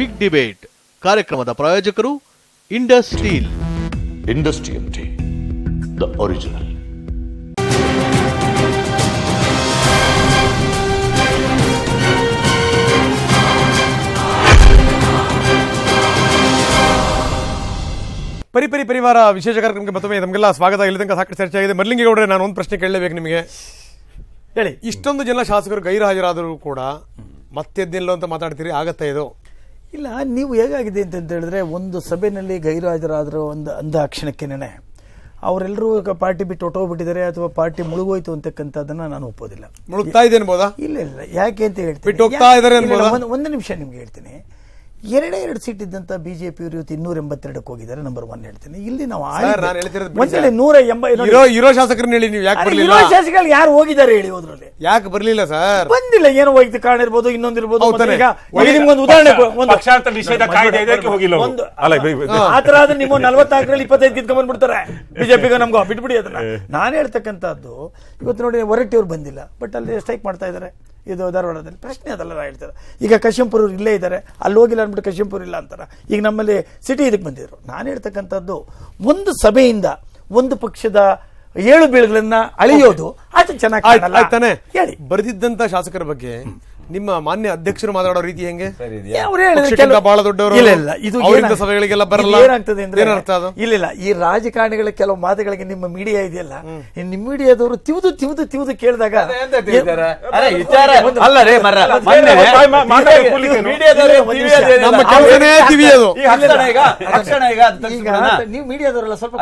Big debate ಕಾರ್ಯಕ್ರಮದ ಪ್ರಾಯೋಜಕರು Indus Steel. Industrial tea, the original. ಪರಿವಾರ ವಿಶೇಷ ಕಾರ್ಯಕ್ರಮಕ್ಕೆ ಮತ್ತೊಮ್ಮೆ ನಮಗೆಲ್ಲ ಸ್ವಾಗತ. ಇಲ್ಲಿ ತನಕ ಸಾಕಷ್ಟು ಚರ್ಚೆ ಆಗಿದೆ. ಮರ್ಲಿಂಗೇಗೌಡರೆ, ನಾನು ಒಂದು ಪ್ರಶ್ನೆ ಕೇಳಲೇಬೇಕು ನಿಮಗೆ. ಹೇಳಿ, ಇಷ್ಟೊಂದು ಜನ ಶಾಸಕರು ಗೈರು ಹಾಜರಾದರೂ ಕೂಡ ಮತ್ತೆದ್ದಿಲ್ಲ ಅಂತ ಮಾತಾಡ್ತೀರಿ, ಆಗತ್ತಾ ಇದು? ಇಲ್ಲ, ನೀವು ಹೇಗಾಗಿದೆ ಅಂತ ಹೇಳಿದ್ರೆ, ಒಂದು ಸಭೆಯಲ್ಲಿ ಗೈರು ಹಾಜರಾದರೂ ಅಂದ ಕ್ಷಣಕ್ಕೇನೆ ಅವರೆಲ್ಲರೂ ಪಾರ್ಟಿ ಬಿಟ್ಟು ಹೊಟ್ಟೋಗ್ಬಿಟ್ಟಿದ್ದಾರೆ ಅಥವಾ ಪಾರ್ಟಿ ಮುಳುಗೋಯ್ತು ಅಂತಕ್ಕಂಥದ್ದನ್ನ ನಾನು ಒಪ್ಪೋದಿಲ್ಲ. ಮುಳುಗ್ತಾ ಇದೆ ಅನ್ಬೋದಾ? ಇಲ್ಲ, ಯಾಕೆ ಅಂತ ಹೇಳ್ತೀನಿ. ಬಿಟ್ಟು ಹೋಗ್ತಾ ಇದ್ದಾರೆ ಒಂದು ನಿಮಿಷ ನಿಮ್ಗೆ ಹೇಳ್ತೀನಿ. 2 ಸೀಟ್ ಇದ್ದಂತ ಬಿಜೆಪಿ ಇವತ್ತು 282ಕ್ಕೆ ಹೋಗಿದ್ದಾರೆ. ನಂಬರ್ 1 ಹೇಳ್ತೀನಿ. ಇಲ್ಲಿ ನಾವು 180 ಇರೋ ಶಾಸಕರನ್ನ ಹೇಳಿ, ನೀವು ಯಾಕೆ ಬರಲಿಲ್ಲ? ಶಾಸಕರು ಯಾರು ಹೋಗಿದ್ದಾರೆ ಹೇಳಿ? ಹೋದ್ರಲ್ಲಿ ಯಾಕೆ ಬರಲಿಲ್ಲ ಸರ್? ಬಂದಿಲ್ಲ, ಏನೋ ವೈಯಕ್ತಿಕ ಕಾರಣ ಇರ್ಬೋದು, ಇನ್ನೊಂದಿರ್ಬೋದು. ನಿಮ್ಗೊಂದು ಉದಾಹರಣೆ, ಆತರ ಆದ್ರೆ ನಿಮ್ಮ 44ರಲ್ಲಿ 25 ಕಿತ್ಕೊಂಡ್ ಬಂದ್ಬಿಡ್ತಾರೆ ಬಿಜೆಪಿಗೆ. ನಮ್ಗೆ ಬಿಟ್ಬಿಡಿ ಅದನ್ನ. ನಾನು ಹೇಳ್ತಕ್ಕಂಥದ್ದು, ಇವತ್ತು ನೋಡಿ ಹೊರಟ್ಟಿ ಅವ್ರು ಬಂದಿಲ್ಲ, ಬಟ್ ಅಲ್ಲಿ ಸ್ಟ್ರೈಕ್ ಮಾಡ್ತಾ ಇದ್ದಾರೆ. ಇದು ಧಾರವಾಡದಲ್ಲಿ ಪ್ರಶ್ನೆ ಅದೆಲ್ಲ ಹೇಳ್ತಾರೆ. ಈಗ ಕಶ್ಯಂಪುರ ಇಲ್ಲೇ ಇದ್ದಾರೆ, ಅಲ್ಲಿ ಹೋಗಿಲ್ಲ ಅಂದ್ಬಿಟ್ಟು ಕಶ್ಯಂಪುರ ಇಲ್ಲ ಅಂತಾರೆ. ಈಗ ನಮ್ಮಲ್ಲಿ ಸಿಟಿ ಇದಕ್ಕೆ ಬಂದಿದ್ರು. ನಾನು ಹೇಳ್ತಕ್ಕಂಥದ್ದು, ಒಂದು ಸಭೆಯಿಂದ ಒಂದು ಪಕ್ಷದ 7 ಬೀಳುಗಳನ್ನ ಅಳಿಯೋದು ಅದು ಚೆನ್ನಾಗಿ ಹೇಳಿ. ಬರೆದಿದ್ದಂತ ಶಾಸಕರ ಬಗ್ಗೆ ನಿಮ್ಮ ಮಾನ್ಯ ಅಧ್ಯಕ್ಷರು ಮಾತಾಡೋ ರೀತಿ ಹೆಂಗೆ? ಬಹಳ ದೊಡ್ಡವರು, ಸಭೆಗಳಿಗೆಲ್ಲ ಬರಲ್ಲ. ಏನಾಗ್ತದೆ ಅಂದ್ರೆ, ಇಲ್ಲ, ಈ ರಾಜಕಾರಣಿಗಳ ಕೆಲವು ಮಾತುಗಳಿಗೆ ನಿಮ್ಮ ಮೀಡಿಯಾ ಇದೆಯಲ್ಲ, ನಿಮ್ಮ ಮೀಡಿಯಾದವರು ತಿವಿದು ಕೇಳಿದಾಗ ನೀವು ಮೀಡಿಯಾದವರೆಲ್ಲ ಸ್ವಲ್ಪ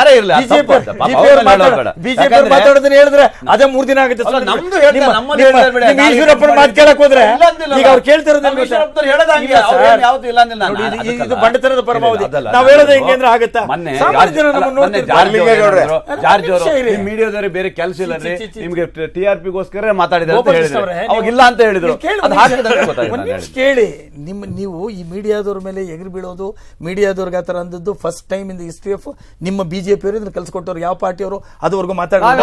ಬಿಜೆಪಿ ಮಾತಾಡೋದನ್ನ ಹೇಳಿದ್ರೆ ಅದೇ 3 ದಿನ ಆಗುತ್ತೆ. ಈಶ್ವರಪ್ಪನ ಮಾತು ಕೇಳಕ್ ಹೋದ್ರೆ ಈಗ ಅವ್ರು ಕೇಳ್ತಿರೋದು ಇದು ಬಂಡತನದ ಪರಮಾವಧಿ. ನಾವ್ ಹೇಳೋದು ಹೆಂಗೆ ಅಂದ್ರೆ ಆಗತ್ತಾ? ಮೀಡಿಯಾದವ್ರಿಗೆ ಬೇರೆ ಕೆಲಸ ಇಲ್ಲ, ನಿಮ್ಗೆ TRPಗೋಸ್ಕರ ಮಾತಾಡಿದ್ರೆ ಅವಾಗಿಲ್ಲ ಅಂತ ಹೇಳಿದ್ರು. ಕೇಳಿ, ನೀವು ಈ ಮೀಡಿಯಾದವ್ರ ಮೇಲೆ ಎಗರು ಬೀಳೋದು, ಮೀಡಿಯಾದವ್ರಿಗೆ ಆತರ ಅಂದದ್ದು first time in the history of ನಿಮ್ಮ ಬಿಜೆಪಿ ಅವರು ಇದನ್ನ ಕಲ್ಸ್ಕೊಟ್ಟವ್ರು. ಯಾವ ಪಾರ್ಟಿಯವರು ಅದುವರೆಗೂ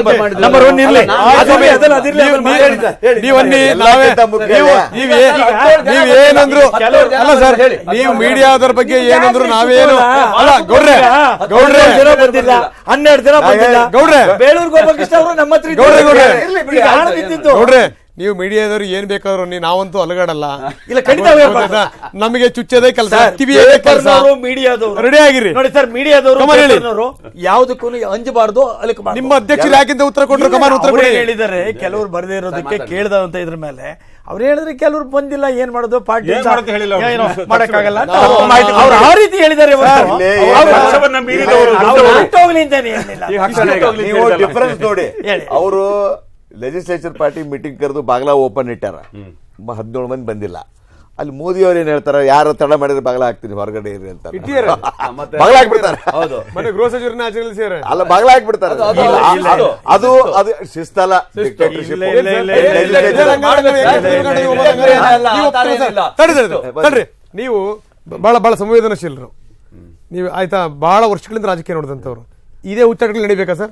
ನೀವೇನಂದ್ರು ಅಲ್ಲ ಸರ್, ನೀವು ಮೀಡಿಯಾದವ್ರ ಬಗ್ಗೆ ಏನಂದ್ರು ನಾವೇನು ಅಲ್ಲ. ಗೌಡ್ರೆ ಬಂದಿಲ್ಲ, 12 ದಿನ ಬಂದಿಲ್ಲ. ಗೌಡ್ರೆ ಬೇಳೂರು ಗೋಪಾಲಕೃಷ್ಣ ಅವರು ನಮ್ಮ ಹತ್ರ ಗೌಡ್ರೆ, ನೀವು ಮೀಡಿಯಾದವ್ರು ಏನ್ ಬೇಕಾದ್ರು ನಾವಂತೂ ಅಲಗಾಡಲ್ಲ. ಇಲ್ಲ, ಖಂಡಿತ ನಮಗೆ ಚುಚ್ಚದೇ ಕೆಲಸ, ಮೀಡಿಯಾದವರು ರೆಡಿ ಆಗಿರಿ ನೋಡಿ ಸರ್. ಮೀಡಿಯಾದವರು ಯಾವುದಕ್ಕೂ ಅಂಜಬಾರ್ದು, ಅಲಕಬಾರ್ದು. ನಿಮ್ಮ ಅಧ್ಯಕ್ಷರು ಯಾಕಿಂತ ಉತ್ತರ ಕೊಟ್ಟರು? ಕಮಾನ್ ಉತ್ತರ ಕೊಡಿ. ಹೇಳಿದ್ದಾರೆ ಕೆಲವರು ಬರದೇ ಇರೋದಕ್ಕೆ ಕೇಳ್ದಂತ ಇದ್ರ ಮೇಲೆ ಅವ್ರು ಹೇಳಿದ್ರೆ ಕೆಲವರು ಬಂದಿಲ್ಲ, ಏನ್ ಮಾಡೋದು, ಪಾರ್ಟಿ ಮಾಡಕ್ಕಾಗಲ್ಲ ಅವ್ರು ಆ ರೀತಿ ಹೇಳಿದ್ದಾರೆ. ಡಿಫರೆನ್ಸ್ ನೋಡಿ, ಅವರು ಲೆಜಿಸ್ಲೇಚರ್ ಪಾರ್ಟಿ ಮೀಟಿಂಗ್ ಕರೆದು ಬಾಗ್ಲಾ ಓಪನ್ ಇಟ್ಟಾರ, 17 ಮಂದಿ ಬಂದಿಲ್ಲ. ಅಲ್ಲಿ ಮೋದಿ ಅವ್ರು ಏನ್ ಹೇಳ್ತಾರ, ಯಾರು ತಡ ಮಾಡಿದ್ರೆ ಬಾಗ್ಲ ಹಾಕ್ತೀನಿ ಹೊರಗಡೆ ಇರ್ರಿ ಅಂತ ಬಾಗ್ಲ ಹಾಕ್ಬಿಡ್ತಾರೆ. ಗೃಹ ಸಚಿವರನ್ನ ಅಲ್ಲ, ಬಾಗ್ಲ ಹಾಕ್ಬಿಡ್ತಾರೆ. ಅದು ಶಿಸ್ತಲ್ಲ, ಡಿಕ್ಟೇಟರ್ಶಿಪ್. ನೀವು ಬಹಳ ಸಂವೇದನಶೀಲರು ನೀವು, ಆಯ್ತಾ? ಬಹಳ ವರ್ಷಗಳಿಂದ ರಾಜಕೀಯ ನೋಡಿದಂತವ್ರು. ಇದೇ ಹುಚ್ಚಾಟಗಳು ನಡಿಬೇಕಾ ಸರ್?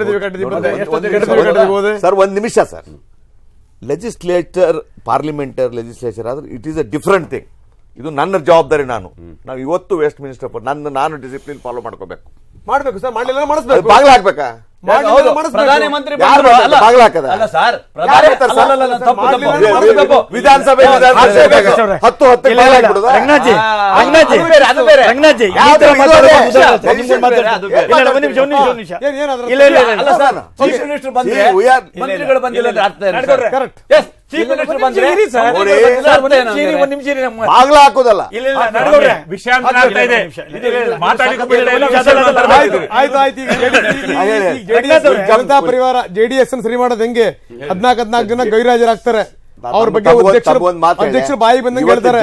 ಸರ್, 1 ನಿಮಿಷ ಸರ್. ಲೆಜಿಸ್ಲೇಚರ್, ಪಾರ್ಲಿಮೆಂಟರ್ ಲೆಜಿಸ್ಲೇಚರ್ ಆದ್ರೆ it is a different thing. ಇದು ನನ್ನ ಜವಾಬ್ದಾರಿ. ನಾವು ಇವತ್ತು ವೆಸ್ಟ್ ಮಿನಿಸ್ಟರ್ ನಾನು ಡಿಸಿಪ್ಲಿನ್ ಫಾಲೋ ಮಾಡ್ಕೋಬೇಕು ಸರ್. ಮಾಡಲಿಲ್ಲ ಮಾಡಿಸ್ಬೇಕು, ಬಾಗ್ಲ ಹಾಕ್ಬೇಕಾ? ಪ್ರಧಾನಮಂತ್ರಿ ವಿಧಾನಸಭೆ ಮಂತ್ರಿಗಳು ಬಂದಿಲ್ಲ. ಬಾಗ್ಲ ಹಾಕೋದಲ್ಲ, ಜನತಾ ಪರಿವಾರ JDS ಸರಿ ಮಾಡೋದು ಹೆಂಗೆ? 14 ಜನ ಗೈರಾಜರಾಗ್ತಾರೆ. ಅವ್ರ ಬಗ್ಗೆ ಅಧ್ಯಕ್ಷರು ಬಾಯಿ ಬಂದಂಗೆ ಹೇಳ್ತಾರೆ.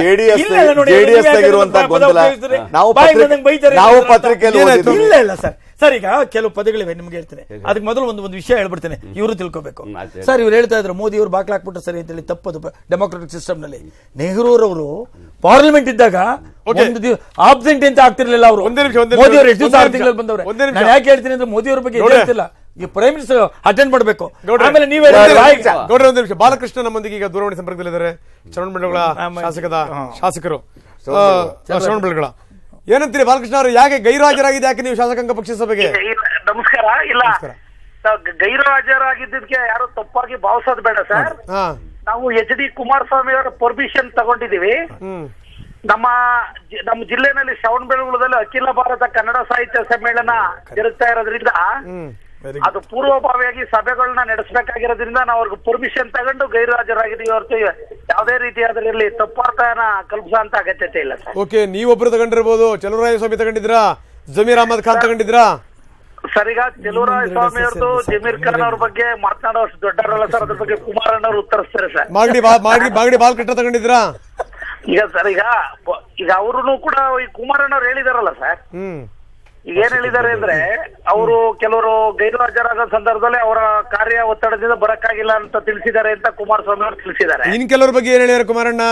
ನಾವು ಪತ್ರಿಕೆಯಲ್ಲಿ ಇಲ್ಲ ಸರ್. ಸರ್, ಈಗ ಕೆಲವು ಪದಗಳಿವೆ, ನಿಮ್ಗೆ ಹೇಳ್ತೇನೆ. ಅದಕ್ಕೆ ಮೊದಲು ಒಂದು ವಿಷಯ ಹೇಳ್ಬಿಡ್ತೇನೆ, ಇವರು ತಿಳ್ಕೋಬೇಕು. ಸರ್, ಇವ್ರು ಹೇಳ್ತಾ ಇದ್ರು ಮೋದಿ ಅವರು ಬಾಕ್ಲ ಹಾಕ್ಬಿಟ್ರು ಸರಿ ಅಂತೇಳಿ. ತಪ್ಪದು. ಡೆಮೋಕ್ರೆಟಿಕ್ ಸಿಸ್ಟಮ್ ನಲ್ಲಿ ನೆಹರೂರವರು ಪಾರ್ಲಿಮೆಂಟ್ ಇದ್ದಾಗ ಆಬ್ಸೆಂಟ್ ಅಂತ ಆಗ್ತಿರ್ಲಿಲ್ಲ. ಅವರು ಮೋದಿ ಅವರು ಎಷ್ಟು ದಿವಸ 6 ತಿಂಗಳಲ್ಲಿ ಬಂದವ್ರೆ. ನಾನು ಯಾಕೆ ಹೇಳ್ತೀನಿ ಅಂದ್ರೆ, ಮೋದಿ ಅವರ ಬಗ್ಗೆ ಹೇಳ್ತಿಲ್ಲ, ಈ ಪ್ರೈಮ್ ಮಿನಿಸ್ಟರ್ ಅಟೆಂಡ್ ಮಾಡಬೇಕು. ಆಮೇಲೆ ನೀವೇ ಗೌಡ್ರ ಒಂದು ನಿಮಿಷ. ಬಾಲಕೃಷ್ಣ ನಮ್ಮೊಂದಿಗೆ ಈಗ ದೂರವಾಣಿ ಸಂಪರ್ಕದಲ್ಲಿದ್ದಾರೆ, ಚನ್ನಮಂಡಲ ಶಾಸಕರು. ಶ್ರವಣ ಬೆಳಗೊಳ. ಏನಂತೀರಿ ಬಾಲಕೃಷ್ಣ ಅವರು, ಯಾಕೆ ಗೈರುಹಾಜರಾಗಿದೆ ಯಾಕೆ ನೀವು ಶಾಸಕಾಂಗ ಪಕ್ಷ ಸಭೆಗೆ? ನಮಸ್ಕಾರ. ಇಲ್ಲ, ಗೈರು ಹಾಜರಾಗಿದ್ದಕ್ಕೆ ಯಾರು ತಪ್ಪಾಗಿ ಭಾವಿಸೋದು ಬೇಡ ಸರ್. ನಾವು HD ಕುಮಾರಸ್ವಾಮಿ ಅವರ ಪರ್ಮಿಷನ್ ತಗೊಂಡಿದೀವಿ. ನಮ್ಮ ಜಿಲ್ಲೆನಲ್ಲಿ ಶ್ರವಣಬೆಳಗೊಳದಲ್ಲಿ ಅಖಿಲ ಭಾರತ ಕನ್ನಡ ಸಾಹಿತ್ಯ ಸಮ್ಮೇಳನ ಜರುಗ್ತಾ ಇರೋದ್ರಿಂದ ಅದು ಪೂರ್ವಭಾವಿಯಾಗಿ ಸಭೆಗಳನ್ನ ನಡೆಸಬೇಕಾಗಿರೋದ್ರಿಂದ ನಾವು ಅವ್ರಿಗೆ ಪರ್ಮಿಷನ್ ತಗೊಂಡು ಗೈರು ಹಾಜರಾಗಿದ್ದೀವಿ ಹೊರತು ಯಾವುದೇ ರೀತಿಯಾದ್ರಲ್ಲಿ ತಪ್ಪಾರ್ಥನ ಕಲ್ಪಿಸೋಂತ ಅಗತ್ಯತೆ ಇಲ್ಲ ಸರ್. ಓಕೆ, ನೀವೊಬ್ರು ತಗೊಂಡಿರ್ಬೋದು. ಚಲುವರಾಯ ಸ್ವಾಮಿ ತಗೊಂಡಿದ್ರಾ? ಜಮೀರ್ ಅಹಮದ್ ಖಾನ್ ತಗೊಂಡಿದ್ರಾ? ಸರ್, ಈಗ ಚಲುವರಾಯ ಸ್ವಾಮಿ ಅವ್ರದ್ದು ಜಮೀರ್ ಖಾನ್ ಅವ್ರ ಬಗ್ಗೆ ಮಾತನಾಡೋಷ್ಟು ದೊಡ್ಡವರಲ್ಲ ಸರ್. ಅದ್ರ ಬಗ್ಗೆ ಕುಮಾರಣ್ಣ ಅವರು ಉತ್ತರಿಸ್ತಾರೆ ಸರ್. ಮಾಗಡಿ ಬಾಲಕೃಷ್ಣ ತಗೊಂಡಿದ್ರಾ? ಈಗ ಸರ್, ಈಗ ಅವರು ಕೂಡ ಈ ಕುಮಾರಣ್ಣ ಅವ್ರು ಹೇಳಿದಾರಲ್ಲ ಸರ್. ಈಗ ಏನ್ ಹೇಳಿದ್ದಾರೆ ಅಂದ್ರೆ, ಅವರು ಕೆಲವರು ಗೈರು ಹಾಜರಾಗೋ ಸಂದರ್ಭದಲ್ಲಿ ಅವರ ಕಾರ್ಯ ಒತ್ತಡದಿಂದ ಬರಕ್ಕಾಗಿಲ್ಲ ಅಂತ ತಿಳಿಸಿದ್ದಾರೆ ಅಂತ ಕುಮಾರಸ್ವಾಮಿ ಅವರು ತಿಳಿಸಿದ್ದಾರೆ. ಇನ್ ಕೆಲವ್ರ ಬಗ್ಗೆ ಏನ್ ಹೇಳ್ಯಾರ ಕುಮಾರಣ್ಣ?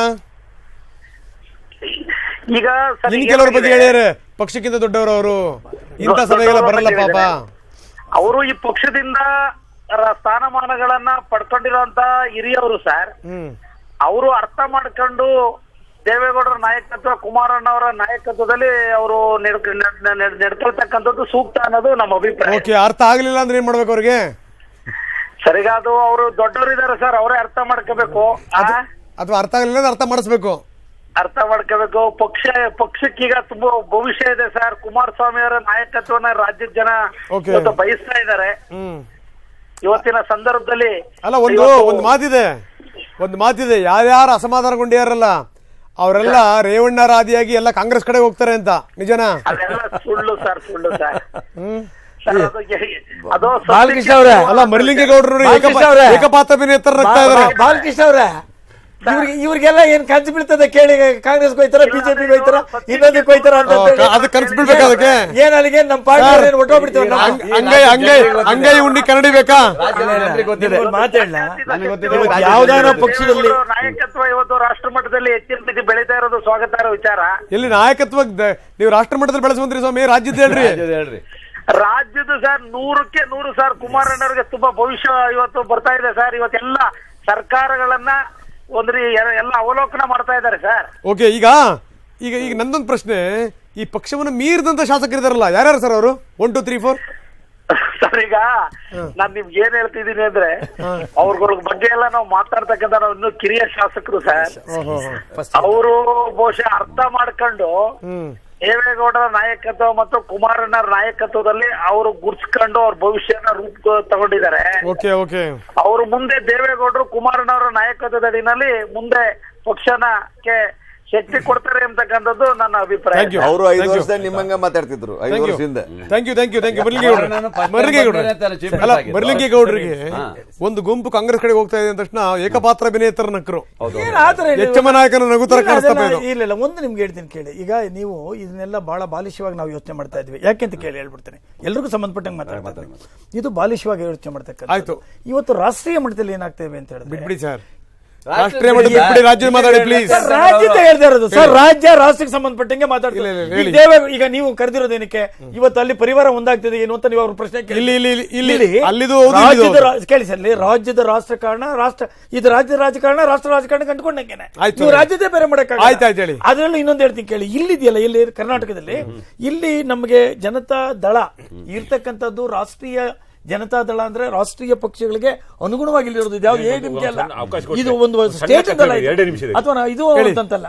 ಈಗ ಇನ್ ಕೆಲವ್ರ ಬಗ್ಗೆ ಹೇಳ್ಯಾರ, ಪಕ್ಷಕ್ಕಿಂತ ದೊಡ್ಡವರು ಅವರು, ಇಂಥ ಸಭೆಗೆಲ್ಲ ಬರಲ್ಲ ಪಾಪ. ಅವರು ಈ ಪಕ್ಷದಿಂದ ಸ್ಥಾನಮಾನಗಳನ್ನ ಪಡ್ಕೊಂಡಿರುವಂತ ಹಿರಿಯವರು ಸರ್. ಅವರು ಅರ್ಥ ಮಾಡ್ಕೊಂಡು ದೇವೇಗೌಡರ ನಾಯಕತ್ವ, ಕುಮಾರಣ್ಣ ಅವರ ನಾಯಕತ್ವದಲ್ಲಿ ಅವರು ನಡ್ಕೊಳ್ತಕ್ಕಂಥದ್ದು ಸೂಕ್ತ ಅನ್ನೋದು ನಮ್ಮ ಅಭಿಪ್ರಾಯ. ಓಕೆ, ಅರ್ಥ ಆಗ್ಲಿಲ್ಲ ಅಂದ್ರೆ ಏನ್ ಮಾಡ್ಬೇಕು ಅವ್ರಿಗೆ? ಸರಿಗ ಅದು ಅವರು ದೊಡ್ಡವರಿದ್ದಾರೆ ಸರ್, ಅವರೇ ಅರ್ಥ ಮಾಡ್ಕೋಬೇಕು. ಅಥವಾ ಅರ್ಥ ಆಗ್ಲಿಲ್ಲ ಅಂದ್ರೆ ಅರ್ಥ ಮಾಡಿಸ್ಬೇಕು. ಅರ್ಥ ಮಾಡ್ಕೋಬೇಕು. ಪಕ್ಷಕ್ಕೀಗ ತುಂಬಾ ಭವಿಷ್ಯ ಇದೆ ಸರ್. ಕುಮಾರಸ್ವಾಮಿ ಅವರ ನಾಯಕತ್ವನ ರಾಜ್ಯದ ಜನ ಇವತ್ತು ಬಯಸ್ತಾ ಇದ್ದಾರೆ ಇವತ್ತಿನ ಸಂದರ್ಭದಲ್ಲಿ. ಅಲ್ಲ, ಒಂದು ಮಾತಿದೆ, ಯಾರ್ಯಾರು ಅಸಮಾಧಾನಗೊಂಡಿಯಾರಲ್ಲ ಅವರೆಲ್ಲ ರೇವಣ್ಣರ ಆದಿಯಾಗಿ ಎಲ್ಲ ಕಾಂಗ್ರೆಸ್ ಕಡೆ ಹೋಗ್ತಾರೆ ಅಂತ. ನಿಜನಾ? ಅದೆಲ್ಲ ಸುಳ್ಳು ಸರ್, ಸುಳ್ಳು ಸರ್. ಅದು ಬಾಲಕೃಷ್ಣ ಅವರೇ, ಅಲ್ಲ, ಮರಲಿಂಗೇಗೌಡರು ಏಕಪಾತ್ರಾಭಿನೇತರ ನಗ್ತಾ ಇದಾರೆ. ಬಾಲಕೃಷ್ಣ ಅವರೇ, ಇವ್ರಿಗೆಲ್ಲ ಏನ್ ಕನ್ಸು ಬೀಳ್ತದೆ ಕೇಳಿ. ಕಾಂಗ್ರೆಸ್ ಹೋಯ್ತಾರ, ಬಿಜೆಪಿಗೆ ಹೋಯ್ತಾರ, ಇನ್ನೊಂದಕ್ಕೆ ಹೋಯ್ತಾರ ಅಂತ ಅದು ಕನಸು ಬೀಳ್ಬೇಕು. ಅದಕ್ಕೆ ಏನ್ ಅಲ್ಲಿಗೆ ನಮ್ಮ ಪಾರ್ಟಿ ಒಟ್ಟೋಗ್ಬಿಡ್ತೇವೆ. ಅಂಗೈ ಉಂಡಿ ಕನ್ನಡಿ ಬೇಕಾ? ಮಾತಾಡಲ್ಲ, ಯಾವ್ದಾರ ಪಕ್ಷದಲ್ಲಿ ನಾಯಕತ್ವ ಇವತ್ತು ರಾಷ್ಟ್ರ ಮಟ್ಟದಲ್ಲಿ ಹೆಚ್ಚಿನ ರೀತಿ ಬೆಳೀತಾ ಇರೋದು ಸ್ವಾಗತಾರ್ಹ ವಿಚಾರ. ಎಲ್ಲಿ ನಾಯಕತ್ವ ನೀವು ರಾಷ್ಟ್ರ ಮಟ್ಟದಲ್ಲಿ ಬೆಳೆಸುವಂತ್ರಿ ಸ್ವಾಮಿ? ರಾಜ್ಯದ ಹೇಳ್ರಿ. ರಾಜ್ಯದ ಸರ್ 100ಕ್ಕೆ 100 ಸರ್. ಕುಮಾರಣ್ಣವ್ರಿಗೆ ತುಂಬಾ ಭವಿಷ್ಯ ಇವತ್ತು ಬರ್ತಾ ಇದೆ ಸರ್. ಇವತ್ತೆಲ್ಲ ಸರ್ಕಾರಗಳನ್ನ ಒಂದ್ರಿ ಎಲ್ಲ ಅವಲೋಕನ ಮಾಡ್ತಾ ಇದ್ದಾರೆ ಸರ್. ಓಕೆ, ಈಗ ಈಗ ಈಗ ನಂದೊಂದು ಪ್ರಶ್ನೆ, ಈ ಪಕ್ಷವನ್ನು ಮೀರಿದಂತ ಶಾಸಕರಿದಾರಲ್ಲ, ಯಾರ್ಯಾರು ಸರ್ ಅವರು? 1 2 3 4 ಸರ್. ಈಗ ನಾನ್ ನಿಮ್ಗೆ ಏನ್ ಹೇಳ್ತಿದ್ದೀನಿ ಅಂದ್ರೆ, ಅವ್ರಗಳ ಬಗ್ಗೆ ಎಲ್ಲ ನಾವು ಮಾತಾಡ್ತಕ್ಕಂಥ ನಾವು ಇನ್ನೂ ಕಿರಿಯ ಶಾಸಕರು ಸರ್. ಅವರು ಬಹುಶಃ ಅರ್ಥ ಮಾಡ್ಕೊಂಡು ದೇವೇಗೌಡರ ನಾಯಕತ್ವ ಮತ್ತು ಕುಮಾರಣ್ಣರ ನಾಯಕತ್ವದಲ್ಲಿ ಅವರು ಗುರ್ಸ್ಕೊಂಡು ಅವ್ರ ಭವಿಷ್ಯನ ರೂಪ ತಗೊಂಡಿದ್ದಾರೆ. ಅವರು ಮುಂದೆ ದೇವೇಗೌಡರು ಕುಮಾರಣ್ಣವರ ನಾಯಕತ್ವದ ಅಡಿನಲ್ಲಿ ಮುಂದೆ ಪಕ್ಷನಕ್ಕೆ ಶಕ್ತಿ ಕೊಡ್ತಾರೆ ಅಂತಕ್ಕಂಥದ್ದು ನನ್ನ ಅಭಿಪ್ರಾಯ. ಅವರು 5 ವರ್ಷದಲ್ಲಿ ನಿಮ್ಮಂಗ ಮಾತಾಡ್ತಿದ್ರು 5 ವರ್ಷದಿಂದ. ಮರಲಿಂಗೇಗೌಡರಿಗೆ ಒಂದು ಗುಂಪು ಕಾಂಗ್ರೆಸ್ ಕಡೆ ಹೋಗ್ತಾ ಇದೆ ಅಂದ ತಕ್ಷಣ ಏಕಪಾತ್ರ ಅಭಿನೇತರ ನಕರು ಎಚ್ಚಮ ನಾಯಕನ ನಗುತ್ತರ ಕಾಣಿಸ್ತಾ ಇಲ್ಲ. ಒಂದು ನಿಮ್ಗೆ ಹೇಳ್ತೀನಿ ಕೇಳಿ. ಈಗ ನೀವು ಇದನ್ನೆಲ್ಲ ಬಹಳ ಬಾಲಿಶವಾಗಿ ನಾವು ಯೋಚನೆ ಮಾಡ್ತಾ ಇದ್ವಿ. ಯಾಕೆಂತ ಕೇಳಿ ಹೇಳ್ಬಿಡ್ತೇನೆ, ಎಲ್ರಿಗೂ ಸಂಬಂಧಪಟ್ಟಂಗೆ ಮಾತಾಡ್ತಾ ಇದು ಬಾಲಿಶವಾಗಿ ಯೋಚನೆ ಮಾಡ್ತಕ್ಕಂಥ. ಆಯ್ತು, ಇವತ್ತು ರಾಷ್ಟ್ರೀಯ ಮಟ್ಟದಲ್ಲಿ ಏನಾಗ್ತೇವೆ ಅಂತ ಹೇಳಿದ್ರೆ, ಬಿಟ್ಬಿಡಿ ಸರ್, ರಾಷ್ಟ್ರೀಯ ಮಟ್ಟದಲ್ಲಿ ರಾಜ್ಯ ಮಾತಾಡಿ ಪ್ಲೀಸ್. ರಾಜ್ಯದ ಹೇಳ್ತಾ ಇರೋದು ಸರ್, ರಾಜ್ಯ ರಾಷ್ಟ್ರಕ್ಕೆ ಸಂಬಂಧಪಟ್ಟಂಗೆ ಮಾತಾಡ್ತೀವಿ. ಈಗ ನೀವು ಕರೆದಿರೋದೇನಕ್ಕೆ? ಇವತ್ತು ಅಲ್ಲಿ ಪರಿವಾರ ಒಂದಾಗ್ತದೆ ಏನು ಅಂತ ನೀವು ಅವ್ರ ಪ್ರಶ್ನೆ ಕೇಳಿ ಸರ್. ರಾಜ್ಯದ ರಾಜಕಾರಣ ಇದು ರಾಜ್ಯದ ರಾಜಕಾರಣ ರಾಷ್ಟ್ರ ರಾಜಕಾರಣ ಕಂಡುಕೊಂಡಂಗೆನೆ ನೀವು ರಾಜ್ಯದೇ ಬೇರೆ ಮಾಡಕ್ಕಾಗಲ್ಲ. ಅದರಲ್ಲೂ ಇನ್ನೊಂದು ಹೇಳ್ತೀನಿ ಕೇಳಿ. ಇಲ್ಲಿದೆಯಲ್ಲ, ಇಲ್ಲಿ ಕರ್ನಾಟಕದಲ್ಲಿ ಇಲ್ಲಿ ನಮಗೆ ಜನತಾ ದಳ ಇರ್ತಕ್ಕಂಥದ್ದು ರಾಷ್ಟ್ರೀಯ ಜನತಾ ದಳ ಅಂದ್ರೆ ರಾಷ್ಟ್ರೀಯ ಪಕ್ಷಗಳಿಗೆ ಅನುಗುಣವಾಗಿ ಇಲ್ಲಿರೋದು. ಇದ್ಯಾವ್ದು ADMK ಅಲ್ಲ, ಇದು ಒಂದು ಸ್ಟೇಟ್ ದಳ ಅಥವಾ ಇದು ಅಂತಲ್ಲ.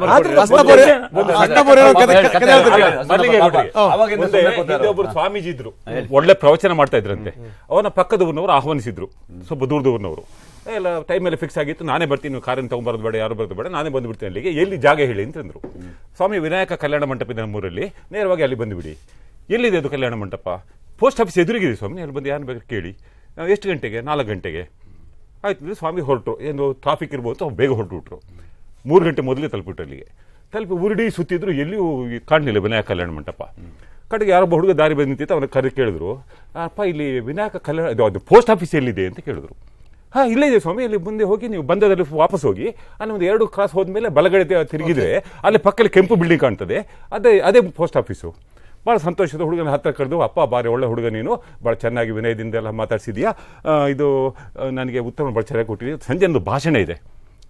ಒಬ್ಬರು ಸ್ವಾಮೀಜಿ ಇದ್ರು, ಒಳ್ಳೆ ಪ್ರವಚನ ಮಾಡ್ತಾ ಇದ್ರಂತೆ. ಅವನ ಪಕ್ಕದವ್ರನವರು ಆಹ್ವಾನಿಸಿದ್ರು, ಸ್ವಲ್ಪ ದೂರದವ್ರನವರು. ಎಲ್ಲ ಟೈಮ್ ಎಲ್ಲ ಫಿಕ್ಸ್ ಆಗಿತ್ತು, ನಾನೇ ಬರ್ತೀನಿ, ನೀವು ಕಾರನ್ನು ತಗೊಂಬರೋದು ಬೇಡ, ಯಾರು ಬರೋದು ಬೇಡ, ನಾನೇ ಬಂದ್ಬಿಡ್ತೀನಿ ಅಲ್ಲಿಗೆ. ಎಲ್ಲಿ ಜಾಗ ಹೇಳಿ ಅಂತಂದ್ರು. ಸ್ವಾಮಿ ವಿನಾಯಕ ಕಲ್ಯಾಣ ಮಂಟಪ ಇದೆ ನಮ್ಮೂರಲ್ಲಿ, ನೇರವಾಗಿ ಅಲ್ಲಿ ಬಂದುಬಿಡಿ. ಎಲ್ಲಿದೆ ಅದು ಕಲ್ಯಾಣ ಮಂಟಪ? ಪೋಸ್ಟ್ ಆಫೀಸ್ ಎದುರಿಗಿದೆ ಸ್ವಾಮಿ, ಅಲ್ಲಿ ಬಂದು ಯಾರು ಬೇಕಾದ್ರೆ ಕೇಳಿ. ಎಷ್ಟು ಗಂಟೆಗೆ? 4 ಗಂಟೆಗೆ ಆಯ್ತು. ಸ್ವಾಮಿ ಹೊರಟರು, ಏನು ಟ್ರಾಫಿಕ್ ಇರ್ಬೋದು, ಅವ್ರು ಬೇಗ ಹೊರಟುಬಿಟ್ರು. 3 ಗಂಟೆ ಮೊದಲೇ ತಲುಪಿಬಿಟ್ರು ಅಲ್ಲಿಗೆ. ತಲುಪಿ ಉರುಡಿ ಸುತ್ತಿದ್ರು, ಎಲ್ಲಿಯೂ ಕಾಣಲಿಲ್ಲ ವಿನಾಯಕ ಕಲ್ಯಾಣ ಮಂಟಪ. ಕಡೆಗೆ ಯಾರೊಬ್ಬ ಹುಡುಗ ದಾರಿ ಬಂದು ನಿಂತಿತ್ತು, ಅವನ ಕರೆ ಕೇಳಿದ್ರು, ಅಪ್ಪ ಇಲ್ಲಿ ವಿನಾಯಕ ಕಲ್ಯಾಣ ಅದು ಪೋಸ್ಟ್ ಆಫೀಸ್ ಎಲ್ಲಿದೆ ಅಂತ ಕೇಳಿದ್ರು. ಇಲ್ಲೇ ಇದೆ ಸ್ವಾಮಿ, ಅಲ್ಲಿ ಮುಂದೆ ಹೋಗಿ ನೀವು ಬಂದದಲ್ಲಿ ವಾಪಸ್ ಹೋಗಿ ಅಲ್ಲಿ ಒಂದು 2 ಕ್ರಾಸ್ ಹೋದ್ಮೇಲೆ ಬಲಗಡೆ ತಿರುಗಿದ್ರೆ ಅಲ್ಲಿ ಪಕ್ಕದಲ್ಲಿ ಕೆಂಪು ಬಿಲ್ಡಿಂಗ್ ಕಾಣ್ತದೆ, ಅದೇ ಪೋಸ್ಟ್ ಆಫೀಸು. ಭಾಳ ಸಂತೋಷದ ಹುಡುಗನ ಹತ್ರ ಕರೆದು, ಅಪ್ಪ ಭಾರಿ ಒಳ್ಳೆ ಹುಡುಗ ನೀನು, ಭಾಳ ಚೆನ್ನಾಗಿ ವಿನಯದಿಂದ ಎಲ್ಲ ಮಾತಾಡ್ಸಿದ್ಯಾ, ಇದು ನನಗೆ ಉತ್ತರ ಭಾಳ ಚೆನ್ನಾಗಿ ಕೊಟ್ಟಿದ್ದೀಯ. ಸಂಜೆ ಒಂದು ಭಾಷಣ ಇದೆ,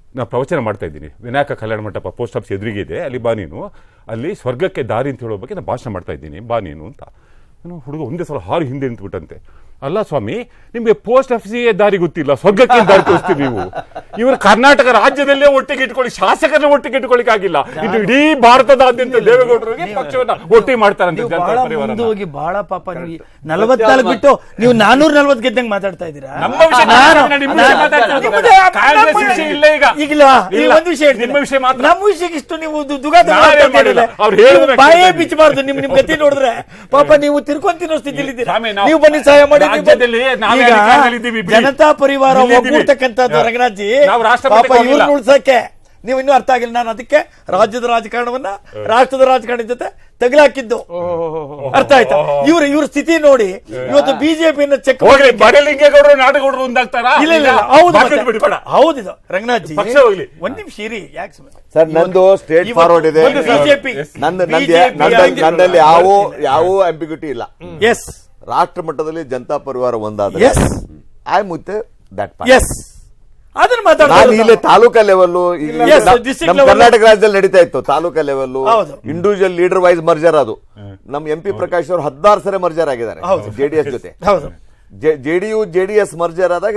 ನಾ ಪ್ರವಚನ ಮಾಡ್ತಾ ಇದ್ದೀನಿ, ವಿನಾಯಕ ಕಲ್ಯಾಣ ಮಂಟಪ ಪೋಸ್ಟ್ ಆಫೀಸ್ ಎದುರಿಗೆ ಇದೆ, ಅಲ್ಲಿ ಬಾ ನೀನು, ಅಲ್ಲಿ ಸ್ವರ್ಗಕ್ಕೆ ದಾರಿ ಅಂತ ಹೇಳೋ ಬಗ್ಗೆ ನಾನು ಭಾಷಣ ಮಾಡ್ತಾ ಇದ್ದೀನಿ, ಬಾ ನೀನು ಅಂತ. ನಾನು ಹುಡುಗ ಒಂದೇ ಸಲ ಹಾರು ಹಿಂದೆ ನಿಂತ್ಬಿಟ್ಟಂತೆ. ಅಲ್ಲ ಸ್ವಾಮಿ, ನಿಮ್ಗೆ ಪೋಸ್ಟ್ ಆಫೀಸಿಗೆ ದಾರಿ ಗೊತ್ತಿಲ್ಲ, ಸ್ವರ್ಗಕ್ಕೆ ದಾರಿ ತೋರಿಸ್ತೀವಿ ನೀವು. ಇವರು ಕರ್ನಾಟಕ ರಾಜ್ಯದಲ್ಲೇ ಒಟ್ಟಿಗೆ ಇಟ್ಕೊಳ್ಳಿ, ಶಾಸಕರನ್ನ ಒಟ್ಟಿಗೆ ಇಟ್ಕೊಳ್ಳಿಕ್ ಆಗಿಲ್ಲ, ಇದು ಇಡೀ ಭಾರತದಾದ್ಯಂತ ದೇವೇಗೌಡರಿಗೆ ಪಕ್ಷವನ್ನ ಒಟ್ಟಿಗೆ ಮಾಡ್ತಾರಂತೆ ಜನತಾ ಪರಿವಾರ. ಹೋಗಿ ಬಹಳ ಪಾಪ ನೀವು 44 ಬಿಟ್ಟು ನೀವು 440 ಗೆದ್ದಂಗೆ ಮಾತಾಡ್ತಾ ಇದ್ದೀರಾ. ನಮ್ಮ ವಿಷಯ ನಿಮ್ಮ ವಿಷಯ ಮಾತಾಡ್ತಾ ಇದ್ದೀರಾ? ಕಾಂಗ್ರೆಸ್ ವಿಷಯ ಇಲ್ಲ ಈಗ. ಈಗಿಲ್ವಾ? ನೀವು ಇಲ್ಲ. ಒಂದು ವಿಷಯ ಹೇಳ್ತೀನಿ. ನಿಮ್ಮ ವಿಷಯ ಮಾತ್ರ. ನಮ್ಮ ವಿಷಯಕ್ಕೆ ಇಷ್ಟು ನೀವು ದುಗಾದ ನಾನೇ ಮಾಡಿಲ್ಲ. ಅವ್ರು ಹೇಳಿದ್ರು ಬಾಯೇ ಬಿಚ್ಚಬಾರ್ದು. ನಿಮ್ ಗತಿ ನೋಡಿದ್ರೆ ಪಾಪ ನೀವು ತಿರ್ಕೊಂಡ್ ತಿನ್ನೋ ಸ್ಥಿತಿಲಿ ಇದ್ದೀರಾ. ಸ್ವಾಮಿ, ನಾವು ನೀವು ಬನ್ನಿ ಸಹಾಯ ಮಾಡಿ. ರಾಜ್ಯದಲ್ಲಿ ನಾವೇ ಈಗ ಅಧಿಕಾರದಲ್ಲಿದ್ದೀವಿ, ಬಿಡಿ. ಜನತಾ ಪರಿವಾರ ಇಲ್ಲಿದ್ದೀವಿ. ಒಗ್ಗೂಡ್ತಕ್ಕಂಥದ್ದು ರಂಗನಾಥ್ಜಿ, ನಾವು ರಾಷ್ಟ್ರಪತಿ ಪಾಪ ಹೋಗಿಲ್ಲ. ಇವ್ರನ್ನ ಉಳ್ಸಕ್ಕೆ ನೀವು ಇನ್ನೂ ಅರ್ಥ ಆಗಿಲ್ಲ. ನಾನು ಅದಕ್ಕೆ ರಾಜ್ಯದ ರಾಜಕಾರಣವನ್ನ ರಾಷ್ಟ್ರದ ರಾಜಕಾರಣದ ಜೊತೆ ತಗಲಾಕಿದ್ದು. ಅರ್ಥ ಆಯ್ತಾ? ಇವ್ರ ಸ್ಥಿತಿ ನೋಡಿ ಇವತ್ತು ಬಿಜೆಪಿಯನ್ನ ಚೆಕ್ ಹೋಗ್ಲಿ, ಬಡಲಿಂಗೇಗೌಡರು ನಾಡಗೌಡರು ಒಂದಾಗ್ತಾರಾ? ಇಲ್ಲ ಇಲ್ಲ ಇಲ್ಲ. ಹೌದು ಬಾಕಿ ಮತ್ತೆ. ಬಿಡಿ, ಬೇಡ. ಹೌದಿದು ರಂಗನಾಥ್ಜಿ, ಪಕ್ಷ ಹೋಗ್ಲಿ. ಒಂದ್ ನಿಮಿಷ ಇರಿ. ಯಾಕೆ ಸರ್, ನಂದು ಸ್ಟ್ರೇಟ್ ಫಾರ್ವರ್ಡ್ ಇದೆ. ಬಿಜೆಪಿ ನನ್ನಲ್ಲಿ ಯಾವ ಅಂಬಿಗ್ಯೂಟಿ ಇಲ್ಲ. ಎಸ್ ರಾಷ್ಟ್ರ ಮಟ್ಟದಲ್ಲಿ ಜನತಾ ಪರಿವಾರ ಒಂದಾದ್ರೆ yes I mooted that is ಅದನ್ನ ನಾನು ಮಾತಾಡ್ತಾರೆ. ಇಲ್ಲಿ taluka level Yes, district level. Karnataka ರಾಜ್ಯದಲ್ಲಿ ನಡೀತಾ ಇತ್ತು. ತಾಲೂಕಾ ಲೆವೆಲ್ ಹೌದು. Individual leader wise merger. ಅದು ನಮ್ MP ಪ್ರಕಾಶ್ ಅವರು 16 ಸರಿ ಮರ್ಜರ್ ಆಗಿದ್ದಾರೆ JDS ಜೊತೆ. ಹೌದು. JDU JDS ಮರ್ಜರ್ ಆದಾಗ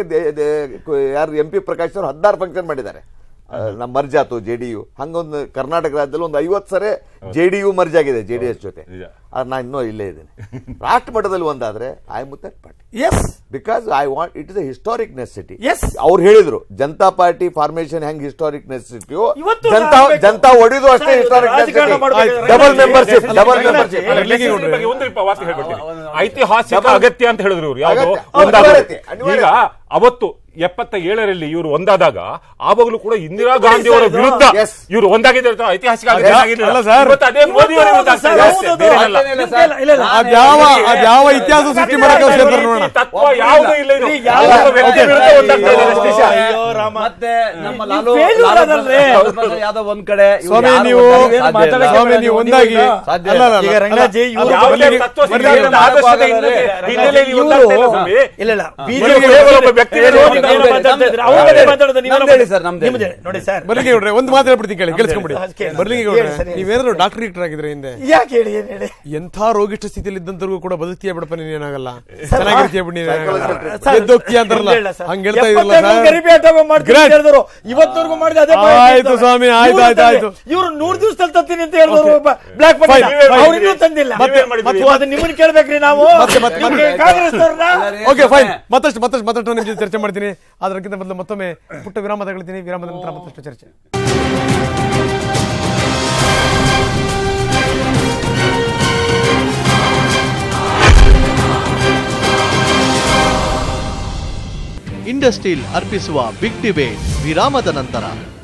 ಯಾರು MP ಪ್ರಕಾಶ್ ಅವರು 16 ಫಂಕ್ಷನ್ ಮಾಡಿದ್ದಾರೆ. ನಮ್ಮ ಮರ್ಜ್ ಆತು JDU. ಹಂಗೊಂದು ಕರ್ನಾಟಕ ರಾಜ್ಯದಲ್ಲಿ ಒಂದು 50 ಸರಿ JDU ಮರ್ಜ್ ಆಗಿದೆ JDS ಜೊತೆ. ನಾನು ಇನ್ನೂ ಇಲ್ಲೇ ಇದ್ದೇನೆ. ರಾಷ್ಟ್ರ ಮಟ್ಟದಲ್ಲಿ ಒಂದಾದ್ರೆ I mooted party. Yes because I want it is a historic necessity. Yes ಅವ್ರು ಹೇಳಿದ್ರು ಜನತಾ ಪಾರ್ಟಿ ಫಾರ್ಮೇಶನ್ ಹೆಂಗ್ ಹಿಸ್ಟಾರಿಕ್ ನೆಸೆಸಿಟಿಯೋ ಇವತ್ತು ಜನತಾ ಒಡಿದು ಅಷ್ಟೇ ಹಿಸ್ಟಾರಿಕ್ ರಾಜಕಾರಣ ಮಾಡ್ಬೇಕಾದ್ರೆ ಡಬಲ್ ಮೆಂಬರ್ಶಿಪ್. ಬಗ್ಗೆ ಒಂದು ವಾಕ್ಯ ಹೇಳ್ಬಿಡ್ತೀನಿ. ಐತಿಹಾಸಿಕ ಅಗತ್ಯ ಅಂತ ಹೇಳಿದ್ರು ಇವ್ರು. ಯಾವುದು ಅಗತ್ಯ. ಒಂದಾಗತ್ತೆ. ಅನಿವಾರ್ಯತೆ. ಈಗ ಅವತ್ತು 77ರಲ್ಲಿ ಇವರು ಒಂದಾದಾಗ ಆವಾಗಲೂ ಕೂಡ ಇಂದಿರಾ ಗಾಂಧಿ ಅವರ ವಿರುದ್ಧ Yes. ಇವರು ಒಂದಾಗಿದೆ ಅಂತ ಐತಿಹಾಸಿಕ ಅಗತ್ಯ ಆಗಿರ್ಲಿಲ್ಲ. ಅಲ್ಲ ಸರ್. ಇವತ್ತು ಅದೇ ಮೋದಿ ಅವರ ವಿರುದ್ಧ ಆಗ್ತಾ ಇದೆ ಅಷ್ಟೇ, ಬೇರೆ ಏನಲ್ಲ. ಅದ್ಯಾವ ಇತಿಹಾಸ ಸೃಷ್ಟಿ ಮಾಡಕ್ಕೆ ನೋಡೋಣ. ತತ್ವ ಯಾವುದೂ ಇಲ್ಲ ಇದು. ಯಾವ ವ್ಯಕ್ತಿ ವಿರುದ್ಧ ಒಂದಾಗ್ತಾ ಇದೆ ಅಷ್ಟೇ. ಅಯ್ಯೋ ರಾಮ. ಮತ್ತೆ ನಮ್ಮ ನೀವು ಲಾಲು failure ಅದಲ್ರಿ. ಪ್ರಸಾದ್ ಯಾದವ್ ಒಂದ್ ಕಡೆ, ಇವ್ರು ಸ್ವಾಮಿ, ಯಾರು ನೀವು ಒಂದಾಗಿ ಸಾಧ್ಯ ಇಲ್ಲ. ಸ್ವಾಮಿ, ನೀವು ಒಂದಾಗಿ ಸಾಧ್ಯ ಅಲ್ಲ, ಇಲ್ಲ. ಅಲ್ಲ, ಈಗ ರಂಗನಾಥ್ಜಿ ಅಲ್ಲ, ಇವ್ರು ಯಾವುದೇ ಬರ್ಲಿ- ತತ್ವ ಬರ್ಲಿ- ಸಿದ್ಧಾಂತದ ಆದರ್ಶದ ಹಿನ್ನೆಲೆಯಲ್ಲಿ ಒಂದಾಗ್ತಾ ಇಲ್ಲ ಸ್ವಾಮಿ. ಇಲ್ಲ ಇಲ್ಲ ಬಿಜೆಪಿ ಕೇವಲ ಒಬ್ಬ ವ್ಯಕ್ತಿ ನಮ್ದು ಹೇಳಿ ಸರ್, ನಮ್ದು ಹೇಳಿ. ನೋಡಿ ಸರ್, ಬರ್ಲಿಂಗೇಗೌಡ್ರೆ ಒಂದು ಮಾತು ಹೇಳ್ಬಿಡ್ತೀನಿ, ಕೇಳಿಸ್ಕೊಂಬಿಡಿ. ಕೇಳಿ. ಬರ್ಲಿಂಗೇಗೌಡ್ರೆ, ಹೇಳಿ ಸರ್, ಹೇಳಿ. ನೀವೇನಾದ್ರು ಡಾಕ್ಟರ್ ಆಗಿದ್ರೆ ಹಿಂದೆ ಯಾಕೆ ಹೇಳಿ, ಏನ್ ಹೇಳಿ? ಎಂಥ ರೋಗಿಷ್ಠ ಸ್ಥಿತಿಯಲ್ಲಿ ಇದ್ದಂತವ್ರಿಗೂ ಕೂಡ ಬದುಕ್ತೀಯ ಬಿಡಪ್ಪ, ನೀನೇನಾಗಲ್ಲ, ಚೆನ್ನಾಗಿರ್ತೀಯ ಬಿಡಿ, ಸರ್, ಎದ್ದೋಗ್ತೀಯ ಅಂತಾರಲ್ಲ, ಇಲ್ಲ ಸರ್. ಹಂಗ ಹೇಳ್ತಾ ಇದ್ರಲ್ಲ 75 ಸರ್. ಗರಿಬಿ ಆಟ ಮಾಡ್ತೀನಿ ಅಂತ ಹೇಳಿದ್ರು. ಇವತ್ತವರೆಗೂ ಮಾಡಿದ ಅದೇ ಪಾಯಿಂಟ್ ಆಯ್ತು ಇರ್ತವೆ. ಸ್ವಾಮಿ, ಆಯ್ತು, ಇವ್ರು ಆಯ್ತು, ಆಯ್ತು. ಇವ್ರು 100 ದಿವಸದಲ್ಲಿ ತತ್ತೀನಿ ಅಂತ ಹೇಳಿದ್ರು. Block Fine, fine. ಅವ್ರು ಇನ್ನೂ ತಂದಿಲ್ಲ. ಮತ್ತೆ ಅದನ್ನ ನಿಮ್ಮನ್ನ ಕೇಳ್ಬೇಕ್ರಿ ನಾವು. ಕಾಂಗ್ರೆಸ್ ಓಕೆ ಫೈನ್, ಮತ್ತಷ್ಟು ನಿಮ್ ಜೊತೆ ಚರ್ಚೆ ಮಾಡ್ತೀನಿ. ಅದಕ್ಕಿಂತ ಮೊದಲು ಮತ್ತೊಮ್ಮೆ ಪುಟ್ಟ ವಿರಾಮ ತಗೊಳ್ತೀನಿ. ವಿರಾಮದ ನಂತರ ಮತ್ತಷ್ಟು ಚರ್ಚೆ. ಇಂಡಸ್ಟ್ರೀಲ್ ಅರ್ಪಿಸುವ ಬಿಗ್ ಡಿಬೇಟ್ ವಿರಾಮದ ನಂತರ.